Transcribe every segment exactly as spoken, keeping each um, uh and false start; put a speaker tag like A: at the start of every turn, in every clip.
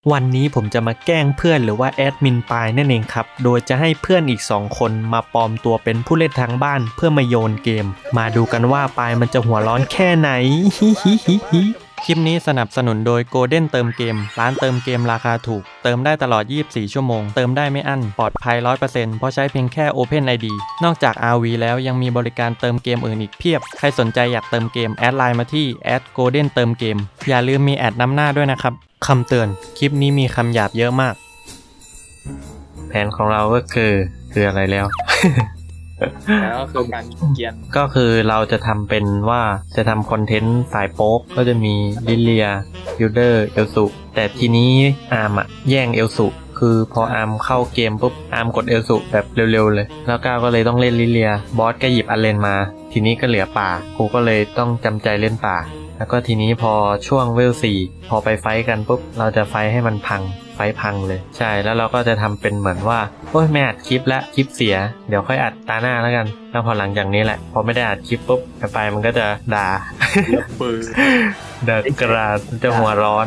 A: วันนี้ผมจะมาแกล้งเพื่อนหรือว่าแอดมินปายนั่นเองครับ โดยจะให้เพื่อนอีกสองคนมาปลอมตัวเป็นผู้เล่นทางบ้านเพื่อมาโยนเกม มาดูกันว่าปายมันจะหัวร้อนแค่ไหน คลิปนี้สนับสนุนโดย Golden เติมเกม ร้านเติมเกมราคาถูก เติมได้ตลอด ยี่สิบสี่ ชั่วโมง เติมได้ไม่อั้น ปลอดภัย ร้อยเปอร์เซ็นต์ เพราะใช้เพียงแค่ Open ไอ ดี นอกจาก อาร์ วี แล้วยังมีบริการเติมเกมอื่นอีกเพียบ ใครสนใจอยากเติมเกมแอดไลน์มาที่ แอท โกลเด้น เติมเกม อย่าลืมมีแอดนำหน้าด้วยนะครับ คำเตือน คลิปนี้มีคำหยาบเยอะมาก แผนของเราก็คือคืออะไรแล้ว
B: แล้วก็คือการเกียน
A: ก็คือเราจะทำเป็นว่าจะทำคอนเทนต์สายโป๊กก็จะมีลิเลียยูเดอร์เอลสุแต่ทีนี้อาร์มอะแย่งเอลสุคือพออาร์มเข้าเกมปุ๊บอาร์มกดเอลสุแบบเร็วๆเลยแล้วก้าวก็เลยต้องเล่นลิเลียบอสก็หยิบอันเลนมาทีนี้ก็เหลือป่ากูก็เลยต้องจำใจเล่นป่าแล้วก็ทีนี้พอช่วงเวลสี่พอไปไฟกันปุ๊บเราจะไฟให้มันพังไฟพังเลยใช่แล้วเราก็จะทำเป็นเหมือนว่าโอ้ยไม่อัดคลิปละคลิปเสียเดี๋ยวค่อยอัดตาหน้าแล้วกันแล้วพอหลังจากนี้แหละพอไม่ได้อัดคลิปปุ๊บไปมันก็จะด่า
B: ปืน
A: ด่ากราดจะหัวร้อน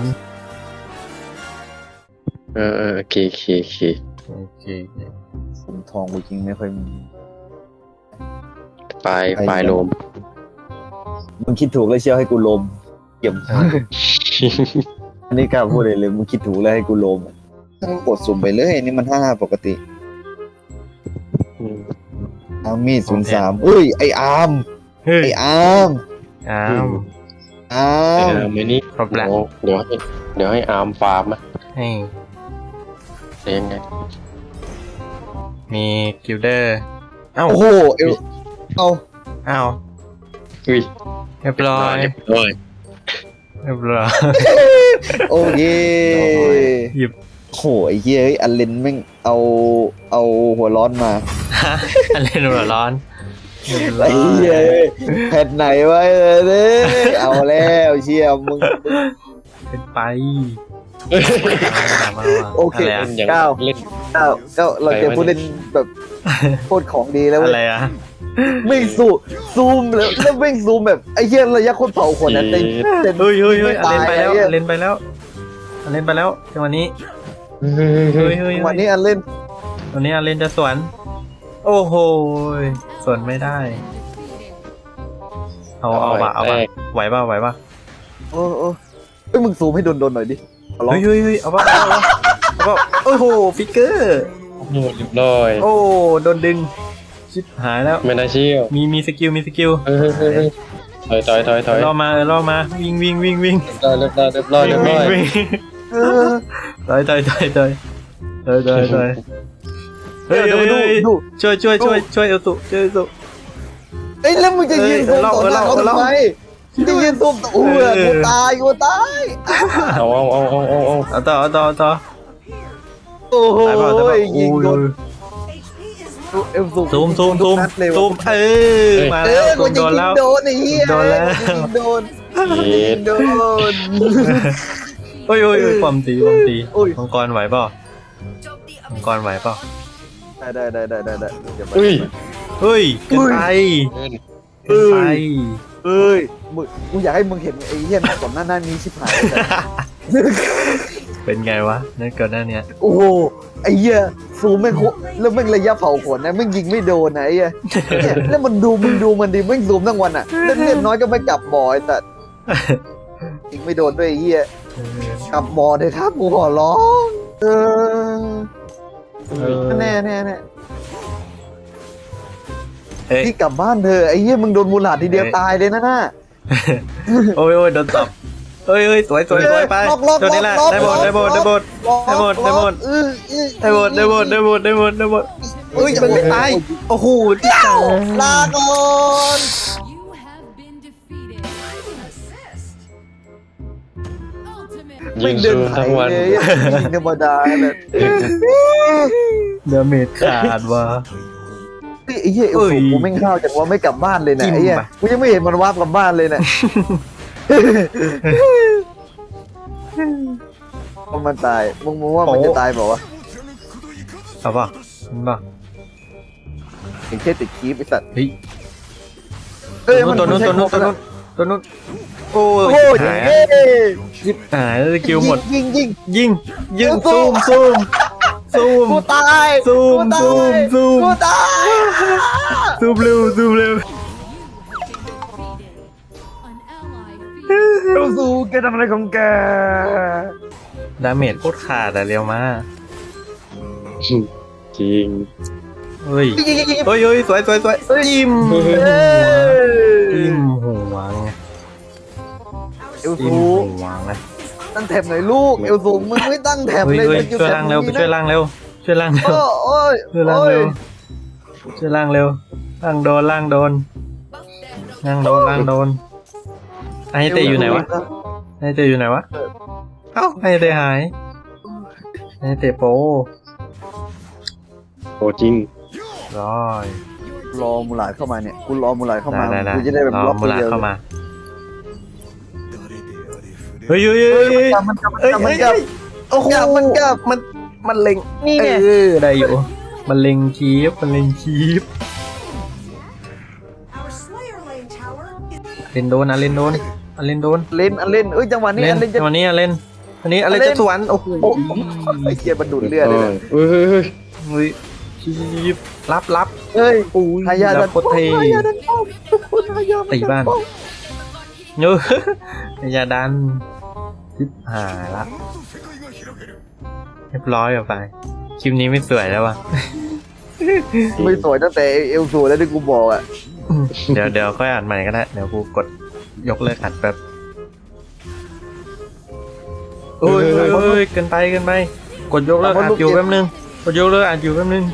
C: เออเออโอเคโอเคโอเค
A: โอเค
D: สมทองกูจริงไม่ค่อยมี
C: ปลายปลายโลม
D: มึงคิดถูกแล้วเชียวให้กูลมเก็บ อันนี้กล้าพูดเลยเลยมึงคิดถูกแล้วให้กูลมมึงกดสุ่มไปเลยนี่มันห้าปกติอาร์มี่ศูนย์สามเอ้ยไออาร์ม
A: เฮ้ย
D: ไออาร์ม
A: อ้าว
D: อา
C: เอ
D: ร์ม
C: อไม่นี่
A: ครบแล้ว
C: เดี๋ยวให้เดี๋ยวให้อาร์มฟาร์มอะ
A: ให้
C: เองไง
A: มีกิลเดอร์เอ้า
D: โอ้โหเอวเอา
A: เอ้า
C: อุ้ย
A: เรียบร้อย
C: เรียบร้อย
A: เรียบร้อย
D: โอเค
A: หยิบ
D: โหไอ้เหี้ยเฮ้ยอันเลนแม่งเอาเอาหัวร้อนมา
A: อะไรหนูหัวร้อนเรียบร้
D: ไอ้
A: อย
D: เหี้ยแผ่นไหนไว้เลยเนี่ยเอาแล้วเชี่ยมึง
A: เป็นไปมามามา
D: โอเค
A: อะไรอะ
C: เล่นอย่าง
D: เก้า
C: เล่น
D: เก้าเก้าเราเจอผู้เล่นแบบโคตรของดีแล้วเว้
A: อะ
D: ย
A: ไรอะ
D: ไม่ซูมซูมแล้วแล้วไม่ซูมแบบไอ้เหี้ยระยะโคตรเผาขนนะเต็มเต็ม
A: เฮ้ยเฮ้ยเฮ้ย
D: ไม่
A: อัน
D: ตา
A: เล่น
D: ย
A: ไปแล้ว
D: ไอ้เหี้ย
A: อันเล่นไปแล้วอันเล่นไปแล้วจังหวะนี้เฮ้ยเฮ้ย
D: วันนี้อันเล่น
A: วันนี้อันเล่นจะสวนโอ้โหสวนไม่ได้เอาเอาป่ะเอาป่ะไหวป่ะไหวป่ะ
D: โอ้โอ้เอ้ยมึงซูมให้โดนโดนๆหน่อยดิขอร้อง
A: เฮ้ยเฮ้ยเฮ้ยเอาป่ะเอาป่ะเอาป่ะโอ้โหฟิกเกอร์
C: โอ้โหเรียบร้อย
A: โอ้โดนดึงชิบหายแล้ว
C: ไม่น่าเชื่อ
A: มีมีสกิลมีสกิล
C: เฮ้ยเฮ้ยเฮ้ยเฮ้ยถอยถอยถอยถอย
A: รอมาเออรอมาวิ่งวิ่งวิ่งวิ่ง
C: เรียบร้อยเรียบร้อยเรียบร้อยเรียบร้อย
A: วิ่ง
D: เออ
A: ต่อยต่อยต่อยต่อยต่อยต่อยต่อยเฮ้ย
D: เดี๋ยว
A: เฮ้ย
D: ดู
A: เฮ้ย
D: ดู
A: ช่วยช่วยช่วยช่วยเอลสุช่วยเอลสุ
D: เอ้ยแล้วมึงจะยืนซูม
A: เออ
D: ต่อหน้า
A: เออ
D: เขา
A: เออ
D: ทำไมจะยืนซูมต่อโอ้ย
A: เออ
D: กูตายกูตาย
C: เอาเอาเอาเอาเอาเอา
A: เอาต่อเอาต่อเอาต่อ
D: โอ้โห
A: ตายเปล่าตายเปล่า
D: ยิงโดน
A: โอ้ย
D: เอ็มซูม
A: ซูมซูมซูม
D: นัดเลย
A: ซู
D: ว่ะ
A: มเออมา
D: เอ
A: แล้ว
D: อ
A: ซู
D: กู
A: ม
D: จะ
A: โดน
D: ยิ
A: แล้
D: ง
A: ว
D: โดนไอ้เหี้ย
A: โดนแล้ว
D: กูจะยิงโดน
C: เย็ด
D: โดน
A: โอ้ยโอ้ยโอ้ยความตีความตี
D: โอ้ย
A: มังกรไหวเปล่ามังกรไหวเปล่า
D: ได้ได้ได้ได้ได้เดี๋ยวไป
C: อุ้ย
A: เฮ้ยเกินไป
C: เกิน
A: เกินไป
D: เอ้ยมึงกูอยากให้มึงเห็นไอ้เหี้ยหน้าก่อนหน้าหน้านี้ชิบหายเลย
A: เป็นไงวะนั่นก่อนหน้าเนี้ย
D: โอ้โหไอ้เหี้ยซูมแม่งโคแล้วแม่งระยะเผาขนนะแม่งยิงไม่โดนนะไอ้เหี้ยเนี่ยแล้วมันดูมึงดูมันดิแม่งซูมทั้งวันอ่ะเล่นเล่นน้อยก็ไม่กลับบ่อยแต่ยิงไม่โดนด้วยไอ้เหี้ยกลับบ่อเลยครับกูขอร้องเออ
A: เออ
D: แน่แน่แน่
A: เอ้ย
D: พี่กลับบ้านเธอะไอ้เหี้ยมึงโดนมูลหลาดทีเดียว
A: เอ้ย
D: ตายเลยนะน่ะ
A: โอ้ยโอ้ยโดนตบเฮ้ยเฮ้ยสวยสวยสวยไป
D: ล็อกล็อก
A: ตัวนี้แหละ
D: ล็อก
A: ได้หมด
D: ล็อก
A: ได้หมดได้หมด ได้หมดได้หมด
D: อื้ออื้อ
A: ได้หมดได้หมดได้หมดได้หมดได้หมดได้หมดเฮ้ยมันไม่ตายโอ้โหที่ตาย
D: ลาก่อน
C: ยิงซูมทั้งวัน
D: เลยยิงธรรมดาเลย
A: เดาเมจขาดว่ะ
D: ไอ้เหี้ยเอ
A: เอ้
D: ล
A: ย
D: สูกูไม่งเข้าจากว่าไม่กลับบ้านเลยนะ
A: จิ้ม
D: ไอ้เหี้ย
A: ไป
D: กูยังไม่เห็นมันวาร์ปกลับบ้านเลยนะพอมันตายมึงมึงว่ามันจะตายเปล่าวะ
A: เอาป่ะมันป่ะ
D: เห็นแค่ติดคีบไอ้สัตว์
A: เฮ้ย
D: เอ้ย
A: ตัวนู้นตัวนู้นตัวนู้น
D: มั
A: ตัวนู้นโอ้
D: โอ้
A: ย
D: ย
A: หาย
D: เย้
A: ยิบหายสกิลหมด
D: ยิงยิง
A: ยิงยิง
D: สู้
A: ซูมซูมซูม
D: กูตาย
A: ซูม
D: กูตาย
A: ซูมซูม
D: กูตาย
A: ซูมเร็วซูมเร็ว
D: เราสู้แกทำอะไรของแก
A: ดาเมจโคตรขาดอะเร็วมา
C: จริง
A: เฮ้ย
D: ยิงยิงยิงยิง
A: เฮ้ยเฮ้ยสวยสวยสวยจิ้ม
C: เฮ้ย
D: เอ้ย
A: จิ้มหัวไง
D: เอล
A: จิ้ม
D: ซู
A: หัวไง
D: ตั้งแถบหน่อยลูกเอลซูมึงไม่ตั้งแถบ
A: เฮ้ย
D: เลย
A: เฮ้ย
D: มันอยู่
A: ช่วย
D: แถบ
A: ล่างเร็วไป
D: นี้นะ
A: ช่วยล่างเร็วช่วยล่างเร็ว
D: โอ้ย
A: ช่วยล่าง
D: โอ้ย
A: เร็วช่วยล่างเร็วล่างโดนล่างโดนล่างโดนล่างโดนไอเตอยู่ไหนวะไอเตอยู่ไหนวะเอ้าไอเตหายไอเตโป
C: โอ้จริง
A: ร้อย
D: รอมูหลาดเข้ามาเนี่ยกูรอมูหลาดเข้ามา
A: ได้ได้
D: กูจะได้แบบ
A: ร
D: ล็
A: อ
D: อก
A: มูลา
D: เดียว
A: เข้ามาเฮ้ยเฮ้ยเฮ้ยเฮ้ย
D: มันกลับ
A: เอ้ย
D: มัน
A: เอ้ย
D: กลับ
A: โอ้โห
D: มันกลับ
A: มันมันเล็ง
D: นี่ไง
A: เออได้อยู่มันเล็งคีฟมันเล็งคีฟ
E: Our Slayer Lane Tower is
A: เล่นโดนอ่ะเล่นโดนอ่ะเล่นโดน
D: เล่นอันเล่นเอ้ยจังหวะนี้
A: เล่น
D: อันเล่นจะ
A: วันนี้อ่ะเล่นวันนี้อะไร
D: เล่
A: จะ
D: น
A: สวนโอ้โห
D: โอ้โหไอ้เกียร์มันดูดเลือดเลยนะ
C: เฮ้ยเฮ้ยเฮ้ย
A: เฮ้ยคีฟรับรับ
D: เฮ้ย
A: โอ้ย
D: ทายาท
A: รับโคตรเท
D: ทายาดันป้อมทายา
A: ตีบ้านเนอะอย่าดันทิบหายละเรียบร้อยออกไปคลิปนี้ไม่สวยแล้ววะ
D: ไม่สวยตั้งแต่เอลซูแล้วที่กูบอกอ่ะ
A: เดี๋ยวเดี๋ยวค่อยอ่านใหม่ก็ได้เดี๋ยวกูกดยกเลิกอัดแป๊บโอ้ยเฮ้ยเฮ้ยเกินไปเกินไปกดยกเลิกอัดอยู่แป๊บนึงกดยกเลิกอัดอยู่แป๊บนึง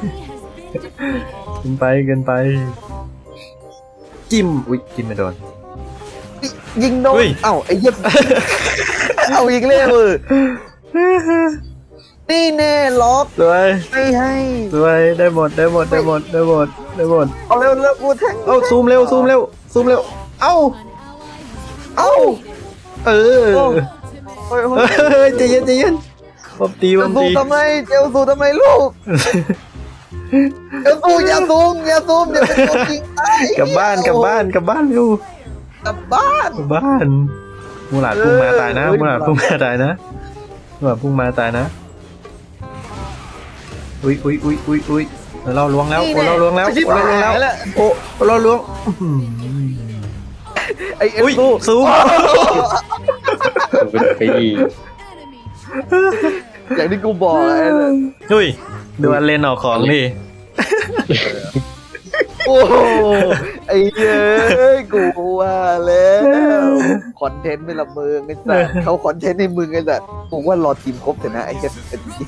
A: เกินไปเกินไป จิ้มอุ้ยจิ้มไม่โดน
D: ยิงโดน
A: เฮ้ย
D: เอ้าไอ้เหี้ย เอาอีกแล้วเออนี่แน่ล็อก
A: สวย
D: ไม่ให้
A: สวยได้หมดได้หมดได้หมดได้หมดได้หมด
D: เอาเร็วเร็วกูแทง
A: เอ้าซูมเร็วซูมเร็วซูมเร็วเอ้า
D: เอ้า
A: เออ
D: โอ้ยโอ้ย
A: เฮ้ยใจเย็นใจเย็นบอมตี
D: เอบ
A: อ
D: ล
A: ม
D: ซู
A: ตี
D: ทำไมเอลซูทำไมลูกเอลซูอย่าซูมอย่าซูมอย่าเป็นตัวจริงตาย
A: กลับบ้านกลับบ้านกลับบ้านเร็ว
D: กลับบ้าน
A: กลับบ้านมูหลาดพุ่งมาตายนะ
D: เออ
A: มูหลาดพุ่งมาตายนะมูหลาดพุ่งมาตายนะอุ้ยอุ้ยอุ้ยอุ้ยอุ้ยเราล้วงแล้วโอ้เราล้วงแล้ว
D: ชิบ
A: โอ้เราล้วง
D: หาย
A: แล้ว
D: แล้ว
A: โอ้เราล้วงอื้อหือ
D: ไอเอล
A: อุ้ย
D: ซู
A: ซูม
C: เป็นปี
D: อย่างที่กูบอกไอ้
A: อุ้ยดูอันเลนออกของดิ
D: โอ้โหไอ้เย้ยกูว่าแล้วคอนเทนต์ไม่ละเมืองไอ้สัสเขาคอนเทนต์ในมึงไอ้สัสผมว่ารอทีมครบเถอะนะไอ้เหี้ย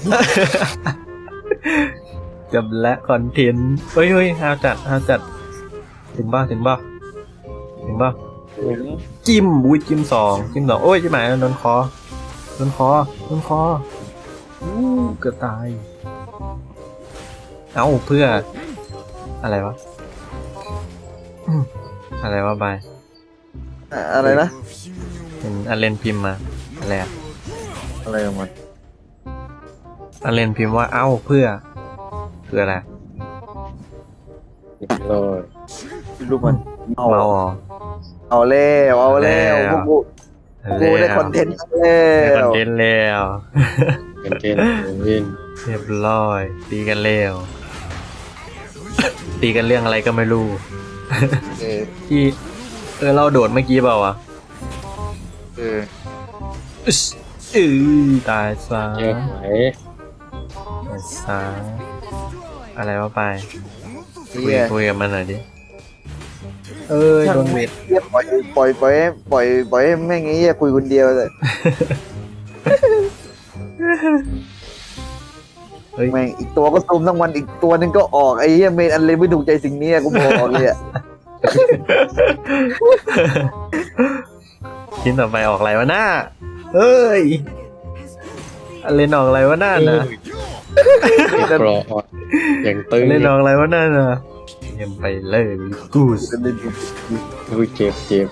A: จบและคอนเทนต์เฮ้ยเฮ้ยฮาวจัดฮาวจัดถึงบ้าถึงบ้าถึงบ้าจิ้มอุ้ยจิ้มสองจิ้มสองโอ้ยจิ้มหมายโดนคอโดนคอโดนคออู้เกือบตายเอ้าเพื่ออะไรวะอืมอะไรวะบาย
D: อะไรนะ
A: เห็นอันเลนพิมพ์มาอะไรอะ
D: อะไรของมัน
A: อันเลนพิมพ์ว่าเอ้าเพื่อคืออะไร
C: ลอย
D: รูปมันเอา
A: เมาอ๋อ
D: เอาแล้วเอาแล้ว
A: แล้ว
D: พวกกูกูได้คอนเทนต์แล้
A: ได้คอน
D: ว
A: เทนต์แล้ว
C: เป็นเกนเล่น
A: เรียบร้อยตีกันแล้วตีกันเรื่องอะไรก็ไม่รู้
D: เออ
A: ที่เออเราโดดเมื่อกี้เปล่าวะ
D: เออ
A: อึ๊สเออตายซะ
C: เยอะไหม
A: ตายซะอะไรวะไปคุย
D: เฮีย
A: คุยกับมันหน่อยดิเออโดนเม็ด
D: เฮียปล่อยปล่อยปล่อยให้ปล่อยปล่อยให้แม่งไอ้เฮียคุยคนเดียวเลย
A: เฮ้ย
D: แม่งอีกตัวก็ซูมทั้งวันอีกตัวนึงก็ออกไอ้เฮียเมนอันเลยไม่ถูกใจสิ่งนี้กูบอกเลยอ่ะ
A: ชิ้นต่อไปออกอะไรวะหน้าเฮ้ยอันเลนออกอะไรวะหน้านะ
C: กรอดอย่างตึง
A: เล่นออกอะไรวะนั่นน่ะเยี่ยมไปเลยกูส
C: อุ้ยเจ็บเจ็บ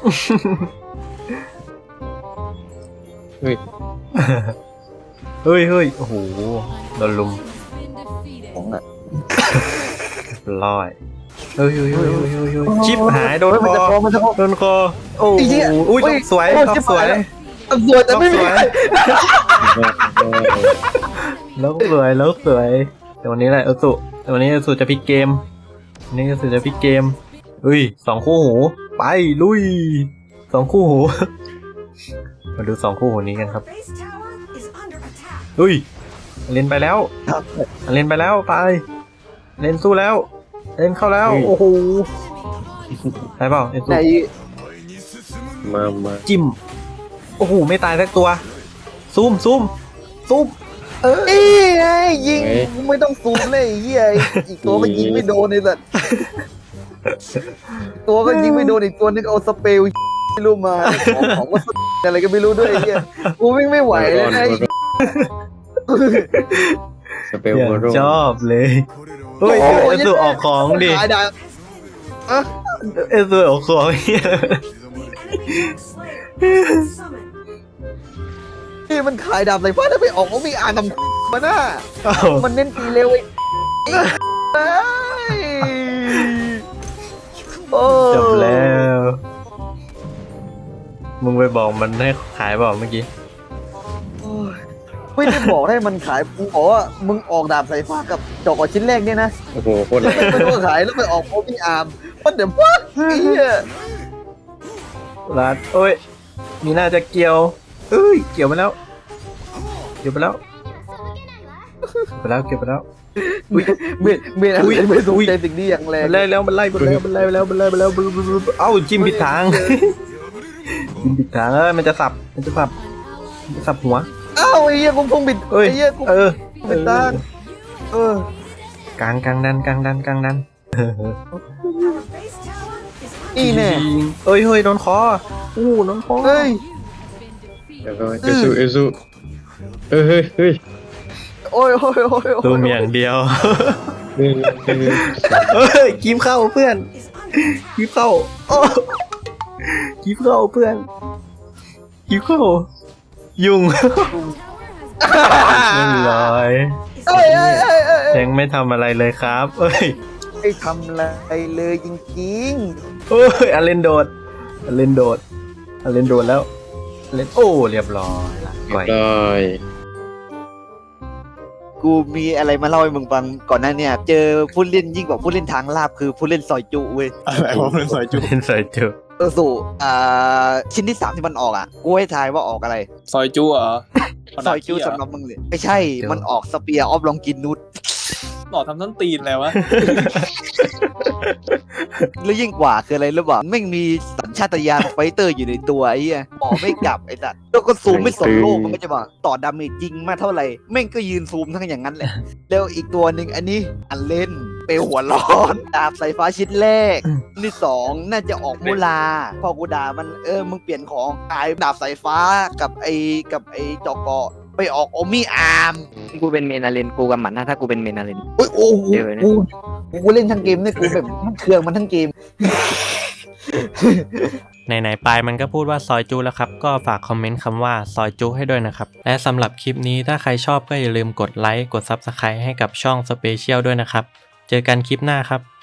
C: เฮ้ย
A: เฮ้ยเฮ้ยโอ้โหโดนลุม
D: ของอ่ะ
A: ร้อยเฮ้ยเฮ้ยเฮ้ยเฮ้ยเฮ้ยเฮ้ยชิปหายโดน
D: เฮ้ย
A: ค
D: มันจะคอ
A: อ
D: มันจะคอ
A: โดนคอโอ้
D: ไอ้เหี้ย
A: โหอุ้ย
D: เฮ้ย
A: สวย
D: โอ้ย
A: ท็อป
D: ชิบ
A: สว
D: หาย
A: ย
D: แล้ว สวยแต่ไม่มีใคร
A: แล้วสวยแล้วสวยแต่วันนี้แหละเอลสุแต่วันนี้เอลสุจะพลิกเกมวันนี้เอลสุจะพลิกเกมอุ้ยสองคู่หูไปลุยสองคู่หู มาดูสองคู่หูนี้กันครับ
E: base tower is under attack.
A: อุ้ยเล่นไปแล้วเล่นไปแล้วไปเล่นสู้แล้วเล่นเข้าแล้วโอ้โหได้เปล่าเอลสุ
D: ไหน
C: มามา
A: จิ้มโอ้โหไม่ตายสักตัวซูมซูมซูมเออ
D: นี่ไงยิงไม่ต้องซูมเลยไอ้เหี้ยอีกตัวก็ยิงไม่โดนไอ้สัสตัวก็ยิงไม่โดนอีกตัวนึงเอาสเปรย์ไม่รู้มาของของว่าอะไรก็ไม่รู้ด้วยไอ้เหี้ยกูวิ่งไม่ไหวเลยนะไอ้
C: สเปล
A: อย่า
C: โม
A: ง
C: โร
A: ชอบเลยเฮ้ยเอลสุออกของดิ
D: ขายดาบอะ
A: เอลสุออกของเหี้ย
E: The enemy slayer has been summoned.
D: นี่มันขายดาบใส่ฟ้าถ้าไปออกเขามีอ่านทำมาหน้า
A: อ้าว
D: มันเน้นตีเร็วไอ้ไอ้โอ้
A: จบแล้ว มึงไปบอกมันให้ขายเปล่าเมื่อกี้
D: ไม่ได้บอกให้มันขายกูบอกว่ามึงออกดาบสายฟ้ากับจอกชิ้นแรกเนี่ยนะ
C: โอ้โหโคตรแรง
D: ไม่รู้ว่าขายแล้วไปออกโอพิอาร์มมันเดี๋ยวพักไอ้เหี้ย
A: รัดโอ้ย มีน่าจะเกี่ยวเอ้ย เกี่ยวไปแล้ว เกี่ยวไปแล้ว เกี่ยวไปแล้ว เกี่ยวไปแล้ว
D: เบียดเบียดอะไรไม่สนใจสิ่งนี้อย่างแรง
A: มันไล่แล้ว มันไล่มันไล่มันไล่ไปแล้ว มันไล่ไปแล้ว เอ้าจิ้มผิดทาง จิ้มผิดทางเออมันจะสับ มันจะสับ มันจะสับหัว
D: อ้าวไอ้เหี้ยกูพงบิด
A: เอ้ย
D: ไอ้เหี้ยกู
A: เออ
D: บิดตางเออก
A: ลางกลางดันกลางดันกลางดัน
E: Our base tower is
D: นี่แน่
A: เอ้ย เฮ้ย โดนคออู้โดนคอ
D: เฮ้ย
C: แล้วก็เอซูเอซูเฮ้ยเฮ้ยเฮ้ย
D: โอ้ยโอ้ยโอ้ย
A: ตูมอย่างเดียว
C: หนึ่งหนึ่ง
A: เฮ้ยกีบเข้าเพื่อน
E: is under
A: กีบเข้าโอ้กีบเข้าเพื่อนกีบเข้า ยุ่งเรียบร้อย
E: is
D: เอ้ยเอ้ยเอ้ยเอ้ย
A: ยังไม่ทำอะไรเลยครับ เอ้ย
D: ไม่ทำอะไรเลยจริง
A: เอ้ยอเลนโดดอเลนโดดอเลนโดดแล้วอเลนโอ้เรียบร้อยละ
C: เรีย
A: ก่อย
C: บร้อย
D: ๆกูมีอะไรมาเล่าให้มึงฟังก่อนหน้าเนี่ยเจอผู้เล่นยิ่งกว่าผู้เล่นทางลาบคือผู้เล่นซอยจุเว้ย
B: อะไรวะมันสวยจุ
A: เล่นใส่จุ
D: เออสู่อ่าชิ้นที่สามที่มันออกอ่ะ กูให้ทายว่าออกอะไร
B: ซอยจุเหรอ
D: ซอยจูสำหรับมึงเลยไม่ใช่ มันออกสเปียร์ออฟลองกินนุช
B: หล่อทำต้นตีนเลยวะ
D: แล้วยิ่งกว่าคืออะไรรู้ป่ะแม่งมีสัญชาตญาณไฟเตอร์อยู่ในตัวไอ้เหี้ยออกไม่กลับไอ้สัสแล้วก็ซูมไม่สนโลกมันไม่ใช่ป่ะต่อดาเมจจริงมาเท่าไหร่แม่งก็ยืนซูมทั้งอย่างนั้นแหละ แล้วอีกตัวหนึ่งอันนี้อันเล่นเปลวหัวร้อนดาบสายฟ้าชิ้นแรกอันที่สองน่าจะออกมูลา พอกูด่ามันเออมึงเปลี่ยนของกลายดาบสายฟ้ากับไอ้กับไอ้จอกเกาะไปออกโอมี่อาร์ม
F: กูเป็นเมนาเลนกูกับหมันนะถ้ากูเป็นเมนาเลน
D: โอ้ยโอ้โห
F: เดี๋ยวนะ
D: กูกูเล่นทั้งเกมเนี่ยกูแบบมันเครื่องมันทั้งเกม
A: ไหนๆปลายมันก็พูดว่าซอยจูแล้วครับ ก็ฝากคอมเมนต์คำว่าซอยจูให้ด้วยนะครับ และสำหรับคลิปนี้ถ้าใครชอบก็อย่าลืมกดไลค์กด ซับสไครบ์ ให้กับช่องสเปเชียลด้วยนะครับ เจอกันคลิปหน้าครับ